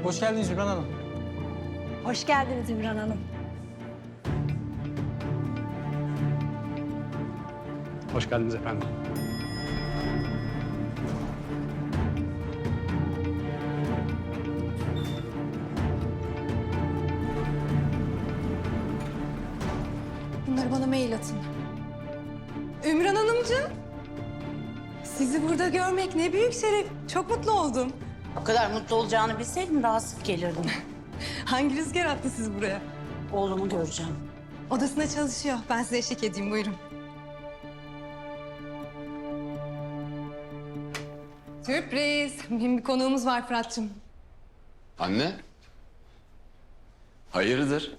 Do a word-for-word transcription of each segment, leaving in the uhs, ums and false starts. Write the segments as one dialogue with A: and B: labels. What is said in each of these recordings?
A: Hoş geldiniz Ümran Hanım.
B: Hoş geldiniz Ümran Hanım.
C: Hoş geldiniz efendim.
D: Bunları bana mail atın. Ümran Hanımcığım. Sizi burada görmek ne büyük şeref. Çok mutlu oldum.
E: O kadar mutlu olacağını bilseydim daha sık gelirdim.
D: Hangi rüzgar attı sizi buraya?
E: Oğlumu göreceğim.
D: Odasında çalışıyor. Ben size eşlik edeyim. Buyurun. Sürpriz. Benim bir konuğumuz var Fırat'cığım.
F: Anne? Hayırdır?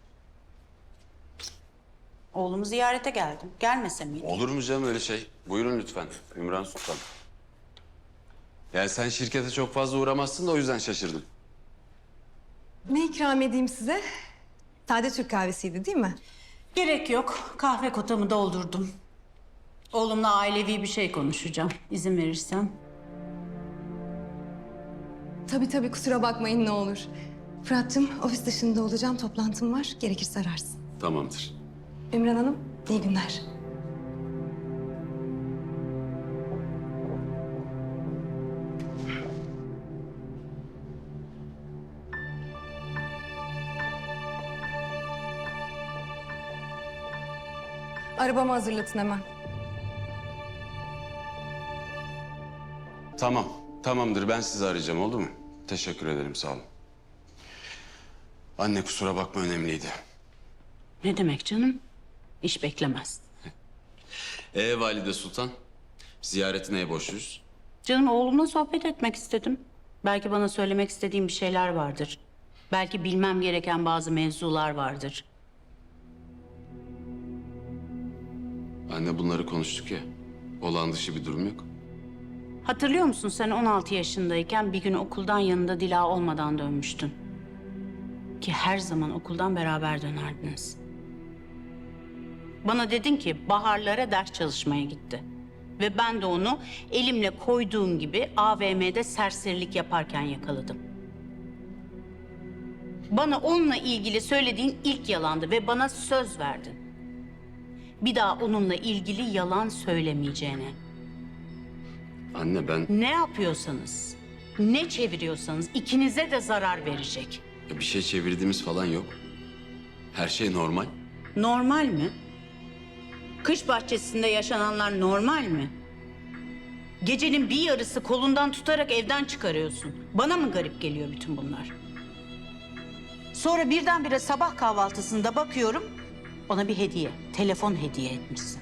E: Oğlumu ziyarete geldim. Gelmese miydim?
F: Olur mu canım öyle şey? Buyurun lütfen Ümran Sultan. Yani sen şirkete çok fazla uğramazsın da o yüzden şaşırdım.
D: Ne ikram edeyim size? Sade Türk kahvesiydi değil mi?
E: Gerek yok. Kahve kotamı doldurdum. Oğlumla ailevi bir şey konuşacağım. İzin verirsen.
D: Tabii tabii kusura bakmayın ne olur. Fırat'cığım ofis dışında olacağım. Toplantım var. Gerekirse ararsın.
F: Tamamdır.
D: Ümran Hanım iyi günler. Arabamı hazırlatın hemen.
F: Tamam. Tamamdır ben sizi arayacağım oldu mu? Teşekkür ederim sağ olun. Anne kusura bakma önemliydi.
E: Ne demek canım? İş beklemez.
F: Ee Valide Sultan? Ziyaretine borçluyuz.
E: Canım oğlumla sohbet etmek istedim. Belki bana söylemek istediğim bir şeyler vardır. Belki bilmem gereken bazı mevzular vardır.
F: Anne bunları konuştuk ya. Olağan dışı bir durum yok.
E: Hatırlıyor musun sen on altı yaşındayken bir gün okuldan yanında Dila olmadan dönmüştün. Ki her zaman okuldan beraber dönerdiniz. Bana dedin ki baharlara ders çalışmaya gitti. Ve ben de onu elimle koyduğum gibi A V M'de serserilik yaparken yakaladım. Bana onunla ilgili söylediğin ilk yalandı ve bana söz verdin. Bir daha onunla ilgili yalan söylemeyeceğine.
F: Anne ben
E: Ne yapıyorsanız, ne çeviriyorsanız ikinize de zarar verecek.
F: bir şey çevirdiğimiz falan yok. Her şey normal.
E: Normal mi? Kış bahçesinde yaşananlar normal mi? Gecenin bir yarısı kolundan tutarak evden çıkarıyorsun. Bana mı garip geliyor bütün bunlar? Sonra birdenbire sabah kahvaltısında bakıyorum, ona bir hediye, telefon hediye etmişsin.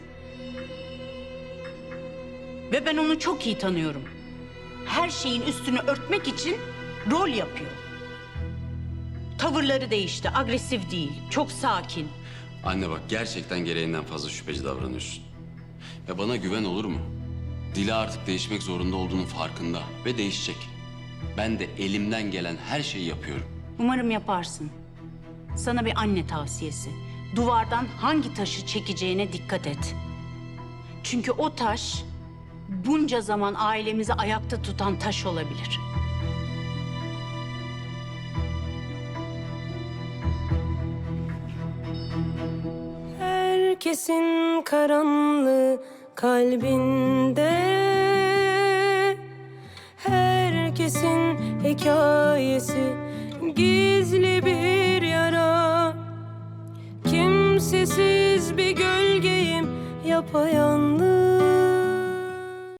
E: Ve ben onu çok iyi tanıyorum. Her şeyin üstünü örtmek için rol yapıyor. Tavırları değişti, agresif değil, çok sakin.
F: Anne bak gerçekten gereğinden fazla şüpheci davranıyorsun. Ya bana güven olur mu? Dila artık değişmek zorunda olduğunun farkında ve değişecek. Ben de elimden gelen her şeyi yapıyorum.
E: Umarım yaparsın. Sana bir anne tavsiyesi. Duvardan hangi taşı çekeceğine dikkat et. Çünkü o taş bunca zaman ailemizi ayakta tutan taş olabilir.
G: Herkesin karanlığı kalbinde, herkesin hikayesi gizli bir yara. Kimsesiz bir gölgeyim yapayalnız.